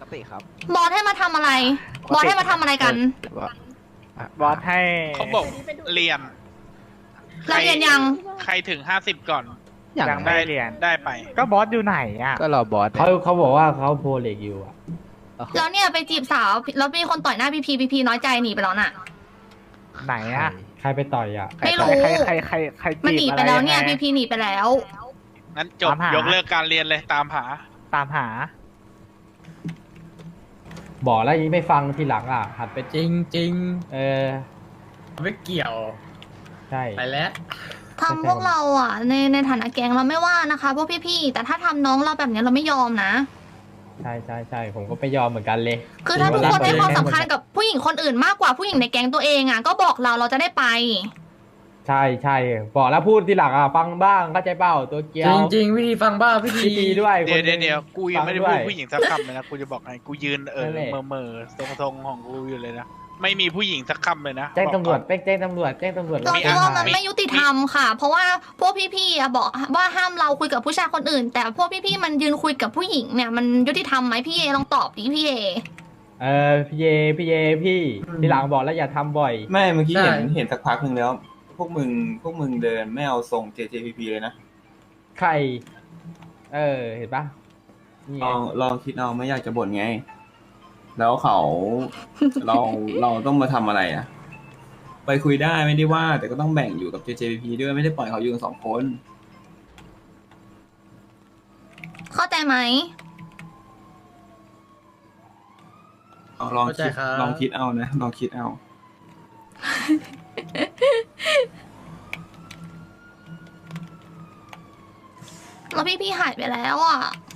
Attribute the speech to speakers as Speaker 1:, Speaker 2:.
Speaker 1: ติครับ
Speaker 2: บอสให้มาทำอะไร บอสให้มาทำอะไรกัน
Speaker 3: บอสให้
Speaker 4: เขาบอกเรียน
Speaker 2: เราเรียนยัง
Speaker 4: ใครถึง50ก่อน
Speaker 3: ยังไม่ได้เรียน
Speaker 4: ได้ไป
Speaker 3: ก็บอสอยู่ไหนอ่ะ
Speaker 1: ก็รอบอส
Speaker 5: เขาบอกว่าเขาโพเล็กอยู่อ่ะ
Speaker 2: แล้วเนี่ยไปจีบสาว แล้วมีคนต่อยหน้าพีน้อยใจหนีไปแล้วน่ะ
Speaker 3: ไหนอ่ะ
Speaker 5: ใครไปต่อยอ่ะ
Speaker 2: ไม่รู้
Speaker 3: ใคร
Speaker 2: มัน
Speaker 3: จี
Speaker 2: หนี
Speaker 3: บอะ
Speaker 2: ไป
Speaker 3: ไร
Speaker 2: แล้ว
Speaker 3: ยัง
Speaker 2: เนี่ย
Speaker 3: ไง
Speaker 2: พีหนีไปแล้ว
Speaker 4: งั้นจบ
Speaker 3: ตามหาย
Speaker 4: ยกเลิกการเรียนเลยตามหา
Speaker 3: ตามหา
Speaker 5: บอกแล้วยังไม่ฟังทีหลังอ่ะ หัดไป
Speaker 6: จริงจริง
Speaker 5: เออ
Speaker 6: ไม่เกี่ยว
Speaker 5: ใช่
Speaker 6: ไปแล้ว
Speaker 2: ทำพวกเราอ่ะในฐานะแก๊งเราไม่ว่านะคะพวกพี่ๆแต่ถ้าทำน้องเราแบบนี้เราไม่ยอมนะ
Speaker 5: ใช่ใช่ใช่ผมก็ไม่ยอมเหมือนกันเลย
Speaker 2: คือถ้าทุกคนให้ความสำคัญกับผู้หญิงคนอื่นมากกว่าผู้หญิงในแก๊งตัวเองอ่ะก็บอกเราจะได้ไป
Speaker 5: ใช่ใช่บอกแล้วพูดทีหลังอ่ะ ฟังบ้างเข้าใจเปล่าตัวเกีย
Speaker 6: จ
Speaker 5: ว
Speaker 6: ริงจริงวิธีฟังบ้าวิธี
Speaker 5: พี่ตีด้วย
Speaker 4: เดี๋ยว
Speaker 5: คนหนึ่ง
Speaker 4: เดี๋ยวกูยังไม่ได้
Speaker 5: ฟั
Speaker 4: พูด
Speaker 5: ด้วย
Speaker 4: ผู้หญิงสักคำเลยนะ กูจะบอกไงกูยืน
Speaker 5: นั่นแหละ
Speaker 4: เมื่อทรงของกูอยู่เลยนะ ไม่มีผู้หญิงสักคำเลยนะ
Speaker 5: แจ้งตำรวจ
Speaker 4: บอกก่อน
Speaker 5: ไปแจ้งตำรวจแจ้งตำรวจ
Speaker 2: เรา
Speaker 4: มี
Speaker 2: คิดว่า
Speaker 4: อาหาร
Speaker 2: มันไม่ยุติธรรมค่ะ เพราะว่าพวกพี่ๆอะบอกว่าห้ามเราคุยกับผู้ชายคนอื่น แต่พวกพี่ๆมันยืนคุยกับผู้หญิงเนี่ยมันยุติธรรมไหมพี่เอลองตอบดิพี่เอ
Speaker 5: พี่เยพี่ทีหลังบอกแล้วอย่าทำบ่อย
Speaker 7: ไม่เมื่อกี้เห็นสักพักหนึ่งแล้ว พวกมึงเดินไม่เอาทรง JJPP เลยนะ
Speaker 5: ใคร เห็นปะนี่ไง
Speaker 7: ลองคิดเอาไม่อยากจะบ่นไง แล้วเขา เราต้องมาทำอะไรอ่ะ ไปคุยได้ไม่ได้ว่า แต่ก็ต้องแบ่งอยู่กับ JJPP ด้วยไม่ได้ปล่อยเขาอยู่กัน2 คน
Speaker 2: เข้าใจไหม
Speaker 7: ลอง
Speaker 6: เข้าใจ
Speaker 7: คิด
Speaker 6: ครับ
Speaker 7: ลองคิดเอานะลองคิดเอา
Speaker 2: แล้วพี่ๆหายไปแล้วอ่ะ